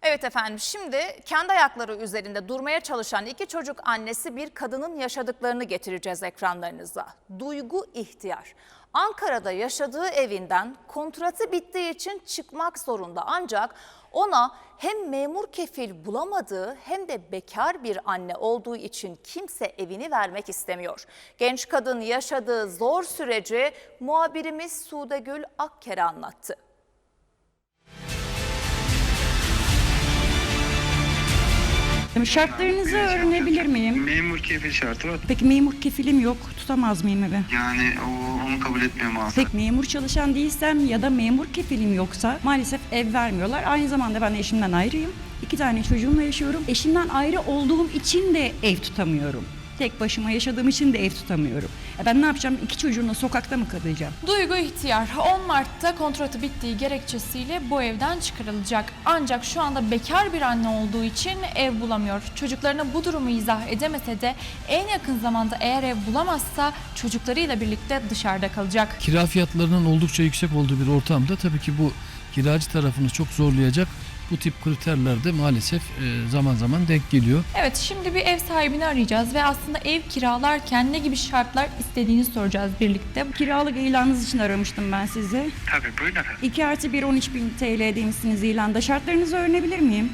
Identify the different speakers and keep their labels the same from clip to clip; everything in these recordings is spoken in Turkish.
Speaker 1: Evet efendim, şimdi kendi ayakları üzerinde durmaya çalışan iki çocuk annesi bir kadının yaşadıklarını getireceğiz ekranlarınıza. Duygu İhtiyar. Ankara'da yaşadığı evinden kontratı bittiği için çıkmak zorunda, ancak ona hem memur kefil bulamadığı hem de bekar bir anne olduğu için kimse evini vermek istemiyor. Genç kadın yaşadığı zor süreci muhabirimiz Sudegül Akker'e anlattı.
Speaker 2: Şartlarınızı öğrenebilir miyim?
Speaker 3: Memur kefil şartı var.
Speaker 2: Peki memur kefilim yok, tutamaz mıyım eve?
Speaker 3: Yani onu kabul etmiyor maalesef.
Speaker 2: Peki memur çalışan değilsem ya da memur kefilim yoksa maalesef ev vermiyorlar. Aynı zamanda ben eşimden ayrıyım. 2 tane çocuğumla yaşıyorum. Eşimden ayrı olduğum için de ev tutamıyorum. Tek başıma yaşadığım için de ev tutamıyorum. Ben ne yapacağım? 2 çocuğumla sokakta mı kalacağım?
Speaker 4: Duygu İhtiyar 10 Mart'ta kontratı bittiği gerekçesiyle bu evden çıkarılacak. Ancak şu anda bekar bir anne olduğu için ev bulamıyor. Çocuklarına bu durumu izah edemese de en yakın zamanda eğer ev bulamazsa çocuklarıyla birlikte dışarıda kalacak.
Speaker 5: Kira fiyatlarının oldukça yüksek olduğu bir ortamda tabii ki bu kiracı tarafını çok zorlayacak. Bu tip kriterler de maalesef zaman zaman denk geliyor.
Speaker 4: Evet, şimdi bir ev sahibini arayacağız ve aslında ev kiralarken ne gibi şartlar istediğini soracağız birlikte.
Speaker 2: Kiralık ilanınız için aramıştım ben sizi.
Speaker 3: Tabii buyurun efendim.
Speaker 2: 2+1 13.000 TL demişsiniz ilanda. Şartlarınızı öğrenebilir miyim?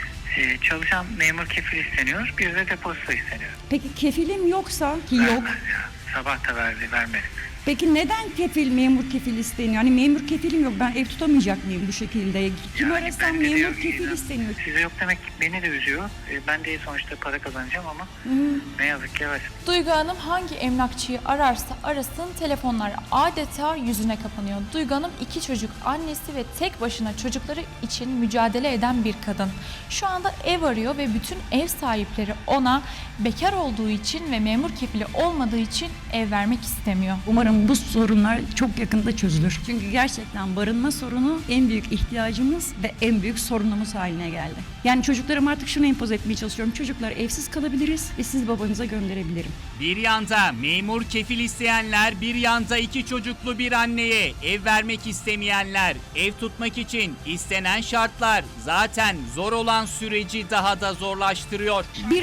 Speaker 3: Çalışan memur kefil isteniyor. Bir de depozito isteniyor.
Speaker 2: Peki kefilim yoksa ki yok.
Speaker 3: Sabah da vermedi.
Speaker 2: Peki neden memur kefil isteniyor? Hani memur kefilim yok, ben ev tutamayacak mıyım bu şekilde? Kim arasam
Speaker 3: bende de
Speaker 2: memur
Speaker 3: yok,
Speaker 2: kefil isteniyor.
Speaker 3: Size yok demek beni de üzüyor. Ben de sonuçta para kazanacağım ama ne yazık ki evet.
Speaker 4: Duygu Hanım hangi emlakçıyı ararsa arasın telefonlar adeta yüzüne kapanıyor. Duygu Hanım 2 çocuk annesi ve tek başına çocukları için mücadele eden bir kadın. Şu anda ev arıyor ve bütün ev sahipleri ona bekar olduğu için ve memur kefili olmadığı için ev vermek istemiyor.
Speaker 2: Umarım bu sorunlar çok yakında çözülür. Çünkü gerçekten barınma sorunu en büyük ihtiyacımız ve en büyük sorunumuz haline geldi. Yani çocuklarıma artık şunu empoze etmeye çalışıyorum. Çocuklar evsiz kalabiliriz ve siz babanıza gönderebilirim.
Speaker 6: Bir yanda memur kefil isteyenler, bir yanda 2 çocuklu bir anneye ev vermek istemeyenler, ev tutmak için istenen şartlar zaten zor olan süreci daha da zorlaştırıyor.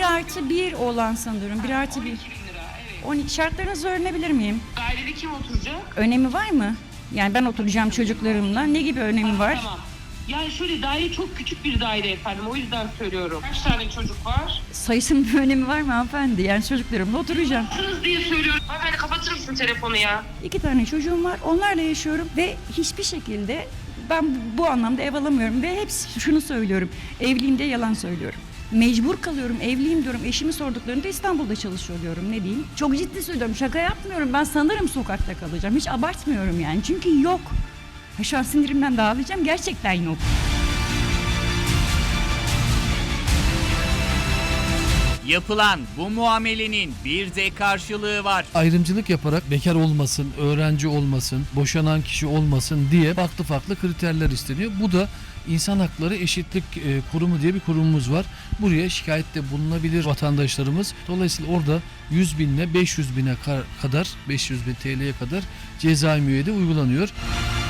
Speaker 2: 1+1 olan sanırım. 1+1. 12 şartlarınızı öğrenebilir miyim?
Speaker 7: Dairede kim oturacak?
Speaker 2: Önemi var mı? Yani ben oturacağım çocuklarımla. Ne gibi önemi var?
Speaker 7: Tamam. Yani şöyle daire çok küçük bir daire efendim. O yüzden söylüyorum. Kaç tane çocuk var?
Speaker 2: Sayısının bir önemi var mı hanımefendi? Yani çocuklarımla oturacağım.
Speaker 7: Kız diye söylüyorum. Hanımefendi kapatır mısın telefonu ya?
Speaker 2: 2 tane çocuğum var. Onlarla yaşıyorum ve hiçbir şekilde ben bu anlamda ev alamıyorum ve hep şunu söylüyorum. Evliliğimde yalan söylüyorum. Mecbur kalıyorum, evliyim diyorum. Eşimi sorduklarında İstanbul'da çalışıyor diyorum. Ne diyeyim? Çok ciddi söylüyorum. Şaka yapmıyorum. Ben sanırım sokakta kalacağım. Hiç abartmıyorum yani. Çünkü yok. Şu an sinirimden dağılacağım. Gerçekten yok.
Speaker 6: Yapılan bu muamelenin bir de karşılığı var.
Speaker 5: Ayrımcılık yaparak bekar olmasın, öğrenci olmasın, boşanan kişi olmasın diye farklı kriterler isteniyor. Bu da İnsan Hakları Eşitlik Kurumu diye bir kurumumuz var. Buraya şikayette bulunabilir vatandaşlarımız. Dolayısıyla orada 100.000 ile 500.000'e kadar, 500.000 TL'ye kadar ceza müeyyide uygulanıyor.